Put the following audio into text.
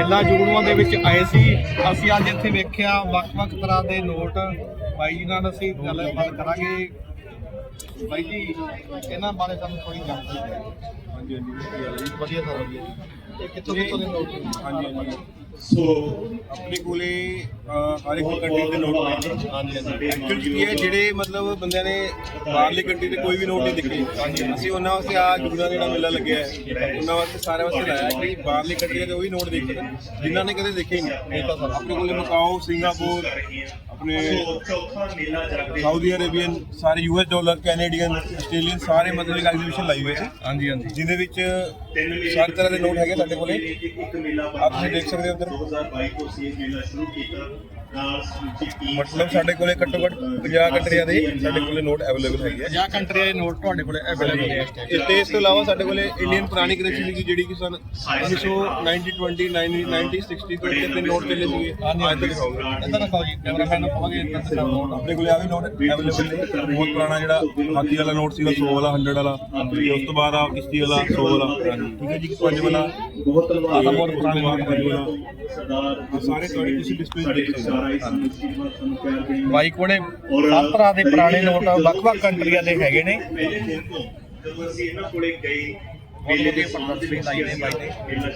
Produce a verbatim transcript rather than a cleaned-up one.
ਮੇਲਾ ਜੁਗਨੂਆਂ ਦੇ ਵਿੱਚ ਆਏ ਸੀ। ਅਸੀਂ ਅੱਜ ਇੱਥੇ ਵੇਖਿਆ ਵੱਖ-ਵੱਖ ਤਰ੍ਹਾਂ ਦੇ ਨੋਟ। ਬਾਈ ਜੀ ਨਾਲ ਅਸੀਂ ਗੱਲਬਾਤ ਕਰਾਂਗੇ। ਬਾਈ ਜੀ, ਇਹਨਾਂ ਬਾਰੇ ਸਾਨੂੰ ਥੋੜੀ ਜਾਣਕਾਰੀ ਦਿਓ। ਹਾਂਜੀ ਹਾਂਜੀ ਵਧੀਆ ਸਰ, ਵਧੀਆ ਜੀ। ਇਹ ਕਿੱਥੋਂ ਕਿੱਥੋਂ ਦੇ ਨੋਟ ਨੇ? ਹਾਂਜੀ ਹਾਂਜੀ ਸੋ ਆਪਣੇ ਕੋਲੇ ਹਰ ਇੱਕ ਕੰਟਰੀ ਦੇ ਨੋਟ ਨੇ। ਹਾਂਜੀ ਹਾਂਜੀ ਐਕਚੁਅਲੀ ਕੀ ਹੈ, ਜਿਹੜੇ ਮਤਲਬ ਬੰਦਿਆਂ ਨੇ ਬਾਹਰਲੀ ਕੰਟਰੀ ਦੇ ਕੋਈ ਵੀ ਨੋਟ ਨਹੀਂ ਦੇਖੇ, ਅਸੀਂ ਉਹਨਾਂ ਵਾਸਤੇ ਆ ਜੁਗਨਾ ਜਿਹੜਾ ਮੇਲਾ ਲੱਗਿਆ ਹੈ ਉਹਨਾਂ ਵਾਸਤੇ ਸਾਰਿਆਂ ਵਾਸਤੇ ਲਾਇਆ ਕਿ ਬਾਹਰਲੀ ਕੰਟਰੀ ਦੇ ਉਹ ਵੀ ਨੋਟ ਦੇਖ ਸਕਣ ਜਿਨ੍ਹਾਂ ਨੇ ਕਦੇ ਦੇਖੇ ਹੀ ਨਹੀਂ। ਆਪਣੇ ਕੋਲੇ ਮਕਾਓ, ਸਿੰਗਾਪੁਰ, ਆਪਣੇ ਸਾਊਦੀ ਅਰੇਬੀਅਨ, ਸਾਰੇ U S dollar, Canadian, Australian, ਸਾਰੇ ਮਤਲਬ ਇੱਕ ਐਗਜ਼ੀਬਿਸ਼ਨ ਲਾਈ ਹੋਈ ਹੈ। ਹਾਂਜੀ ਹਾਂਜੀ ਜਿਹਦੇ ਵਿੱਚ ਸਾਰੇ ਤਰ੍ਹਾਂ ਦੇ ਨੋਟ ਹੈਗੇ ਸਾਡੇ ਕੋਲੇ। ਆਪ ਤੁਸੀਂ ਦੇਖ ਸਕਦੇ ਹੋ ਉੱਧਰ। ਮਤਲਬ ਸਾਡੇ ਕੋਲੇ ਘੱਟੋ ਘੱਟ ਪੰਜਾਹ ਕੰਟਰੀਆਂ ਦੇ ਸਾਡੇ ਕੋਲੇ ਨੋਟ ਅਵੇਲੇਬਲ ਹੈਗੇ ਆ। ਪੰਜਾਹ ਕੰਟਰੀਆਂ ਦੇ ਨੋਟ ਤੁਹਾਡੇ ਕੋਲ ਅਵੇਲੇਬਲ ਹੈ। ਇਸ ਤੇ ਇਸ ਤੋਂ ਇਲਾਵਾ ਸਾਡੇ ਕੋਲੇ ਇੰਡੀਅਨ ਪੁਰਾਣੀ ਕਰੰਸੀ ਸੀਗੀ ਜਿਹੜੀ ਕਿ ਸਨ ਉੱਨੀ ਸੌ ਨੱਬੇ, ਵੀਹ, ਨੱਬੇ, ਸੱਠ ਤੋਂ ਕਿਤੇ ਨੋਟ ਚੱਲੇ ਸੀਗੇ। ਅੱਜ ਤੱਕ ਦਿਖਾਓਗੇ ਇੱਧਰ ਦਿਖਾਓ ਜੀ, ਕੈਮਰਾਮੈਨ ਨੂੰ ਕਹਾਂਗੇ ਇੱਧਰ ਦਿਖਾਓ ਨੋਟ। ਆਪਣੇ ਕੋਲੇ ਆ ਵੀ ਨੋਟ ਅਵੇਲੇਬਲ ਨੇ। ਬਹੁਤ ਪੁਰਾਣਾ ਜਿਹੜਾ ਹਾਥੀ ਵਾਲਾ ਨੋਟ ਸੀਗਾ, ਸੌ ਵਾਲਾ, ਸੌ ਵਾਲਾ। ਉਸ ਤੋਂ ਬਾਅਦ ਆ ਕਿਸ਼ਤੀ ਵਾਲਾ, ਸੌ ਵਾਲਾ। ਠੀਕ ਹੈ ਜੀ, ਪੰਜ ਵਾਲਾ, ਬਹੁਤ ਪੁਰਾਣਾ ਨੋਟ, ਪੰਜ ਵਾਲਾ। ਸਾਰੇ ਸਾਰੇ ਤੁਸੀਂ ਡਿਸਪਲੇ ਦੇਖ ਸਕਦੇ ਹੋ। ਬਾਈ ਕੋਲੇ ਸਭ ਤਰ੍ਹਾਂ ਦੇ ਪੁਰਾਣੇ ਨੋਟ ਵੱਖ-ਵੱਖ ਕੰਟਰੀਆਂ ਦੇ ਹੈਗੇ ਨੇ। ਜਦੋਂ ਅਸੀਂ ਇਹਨਾਂ ਕੋਲੇ ਗਏ ਬਹੁਤ ਵਧੀਆ ਪ੍ਰਦਰਸ਼ਨੀ ਲਾਈ ਨੇ ਬਾਈ ਨੇ।